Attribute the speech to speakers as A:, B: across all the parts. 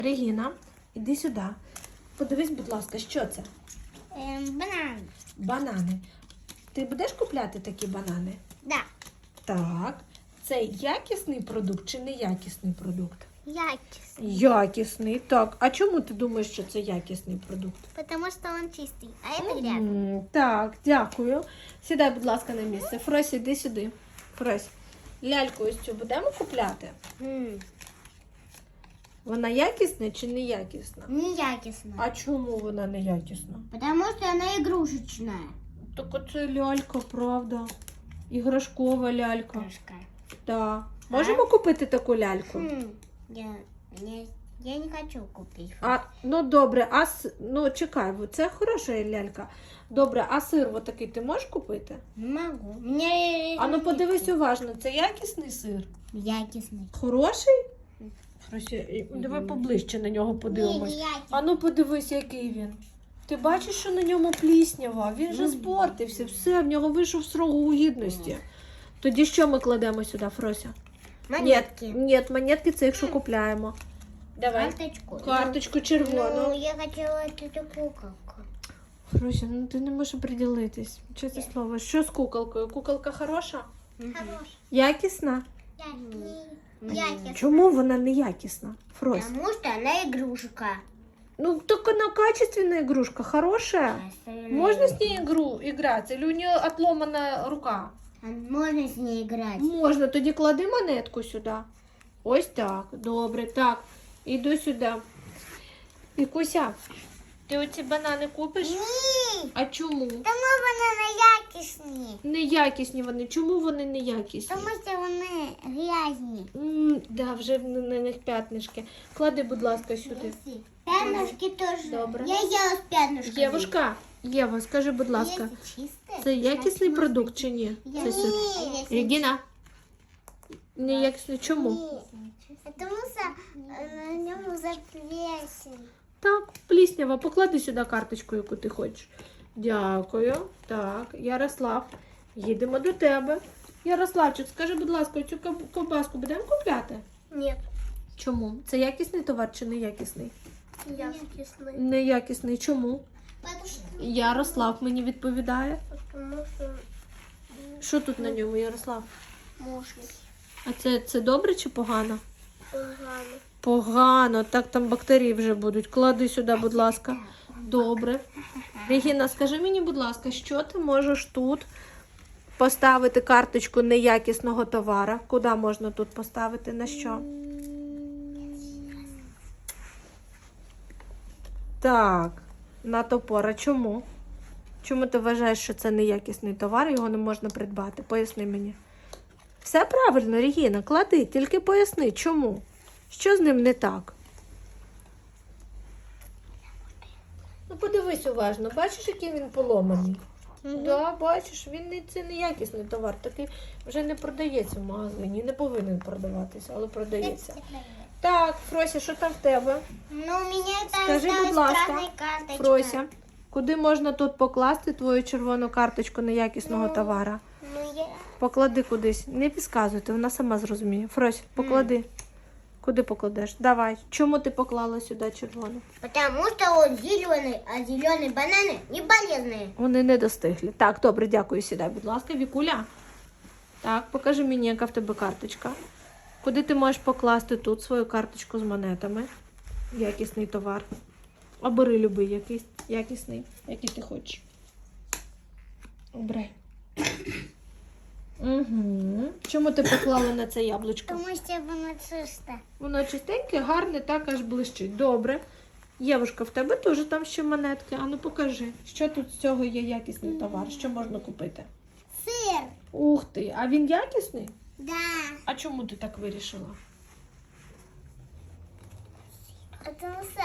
A: Регіна, іди сюди. Подивись, будь ласка, що це?
B: Банан.
A: Банани. Ти будеш купляти такі банани?
B: Да.
A: Так. Це якісний продукт чи неякісний продукт?
B: Якісний.
A: Якісний, так. А чому ти думаєш, що це якісний продукт?
B: Потому что он чистый. А это грязный.
A: Так, дякую. Сідай, будь ласка, на місце. Фрось, іди сюди. Фрось, ляльку ось цю будемо купляти? Вона якісна чи неякісна?
B: Неякісна.
A: А чому вона неякісна?
B: Потому что она игрушечная.
A: Так оце лялька, правда. Іграшкова лялька.
B: Крышка.
A: Так. Можемо купити таку ляльку?
B: Я не хочу купить.
A: Ну добре, ну чекай, це хороша лялька. Добре, а сир отакий ти можеш купити?
B: Не могу. Мне...
A: А ну подивись уважно, це якісний сир?
B: Якісний.
A: Хороший? Давай поближче на нього подивимось. А ну подивись, який він. Ти бачиш, що на ньому пліснява? Він же спортився, все, в нього вийшов з срогу гідності. Тоді що ми кладемо сюди, Фрося?
B: Монетки.
A: Ні, монетки це якщо купляємо. Давай. Карточку червону.
B: Ну, я хотела эту куколку.
A: Фрося, ну ти не можеш приділитись. Чесне слово. Що з куколкою? Куколка хороша?
B: Хорош.
A: Якісна?
B: Якісна.
A: Чому вона не якісна, Фрось?
B: Потому что она игрушка.
A: Ну, так она качественная игрушка, хорошая. Можно с ней играть? Или у нее отломана рука?
B: Можно с ней играть.
A: Можна, тоді клади монетку сюди. Ось так, добре, так. Іду сюди. Вікуся, ти оці банани купиш?
B: Ні.
A: А чому?
B: Тому вони неякісні.
A: Неякісні вони. Чому вони неякісні?
B: Тому що вони грязні.
A: Да, вже на них п'ятнишки. Клади, будь ласка, сюди.
B: П'ятнышки теж.
A: Добре.
B: Я їла з п'ятнышками.
A: Євушка, Єва, скажи, будь ласка, це якісний продукт чи ні? Це сир. Регіна? Неякісний. Чому?
B: Тому що на ньому заплесень.
A: Так, пліснява. Поклади сюди карточку, яку ти хочеш. Дякую. Так, Ярослав, їдемо до тебе. Ярославчик, скажи, будь ласка, цю ковбаску будемо купляти?
B: Ні.
A: Чому? Це якісний товар чи неякісний?
B: Якісний.
A: Неякісний. Чому? Ярослав мені відповідає.
B: Тому що
A: Що тут на ньому, Ярослав?
B: можна.
A: А це добре чи погано?
B: Погано.
A: Погано. Так, там бактерії вже будуть. Клади сюди, будь ласка. Добре. Регіна, скажи мені, будь ласка, що ти можеш тут поставити карточку неякісного товара? Куди можна тут поставити? На що? Так, на топора. Чому? Чому ти вважаєш, що це неякісний товар, його не можна придбати? Поясни мені. Все правильно, Регіна, клади, тільки поясни, чому? Що з ним не так? Ну, подивись уважно, бачиш, який він поломаний? Да, бачиш, це неякісний товар, такий вже не продається в магазині, не повинен продаватися, але продається. Так, Фрося, що там в тебе?
B: Ну, у мене там
A: Скажи, будь ласка,
B: карточка.
A: Фрося, куди можна тут покласти твою червону карточку неякісного товара?
B: Ну, я...
A: Поклади кудись. Не підказуйте, вона сама зрозуміє. Фрось, поклади. Куди покладеш? Давай. Чому ти поклала сюди червону?
B: Потому что он зеленый, а зеленые бананы не полезные.
A: Вони не достигли. Так, добре, дякую. Сідай, будь ласка. Вікуля. Так, покажи мені, яка в тебе карточка. Куди ти можеш покласти тут свою карточку з монетами? Якісний товар. Обери любий якийсь якісний, який ти хочеш. Обирай. Угу. Чому ти поклала на це яблучко?
B: Потому что воно чисто.
A: Воно чистеньке, гарне, так аж блищить. Добре. Євушка, в тебе теж там ще монетки. А ну покажи, що тут з цього є якісний товар, що можна купити?
B: Сыр.
A: Ух ти, а він якісний?
B: Да.
A: А чому ти так вирішила?
B: Потому что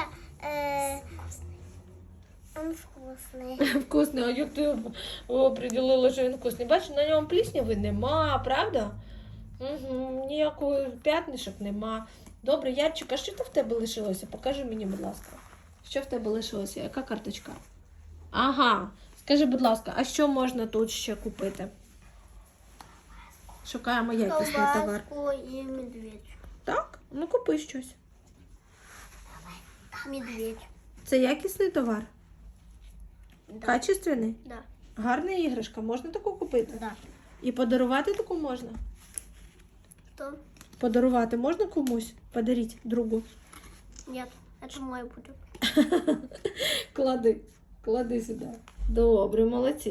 B: он вкусный.
A: Вкусний, а як ти оприділила, що він вкусний? Бачиш, на ньому плісняви нема, правда? Угу, ніякого п'ятнишок нема. Добре, Ярчик, а що в тебе лишилося? Покажи мені, будь ласка. Що в тебе лишилося? Яка карточка? Ага. Скажи, будь ласка, а що можна тут ще купити? Шукаємо якісний товар.
B: Колбаску и медведь.
A: Так? Ну купи щось.
B: Медведь.
A: Це якісний товар?
B: Да.
A: Качественний?
B: Да.
A: Гарна іграшка, можна таку купити?
B: Да.
A: І подарувати таку можна?
B: Что?
A: Подарувати можна комусь? Подаріть другу.
B: Нет, это мой будет.
A: Клади сюди. Добре, молодці.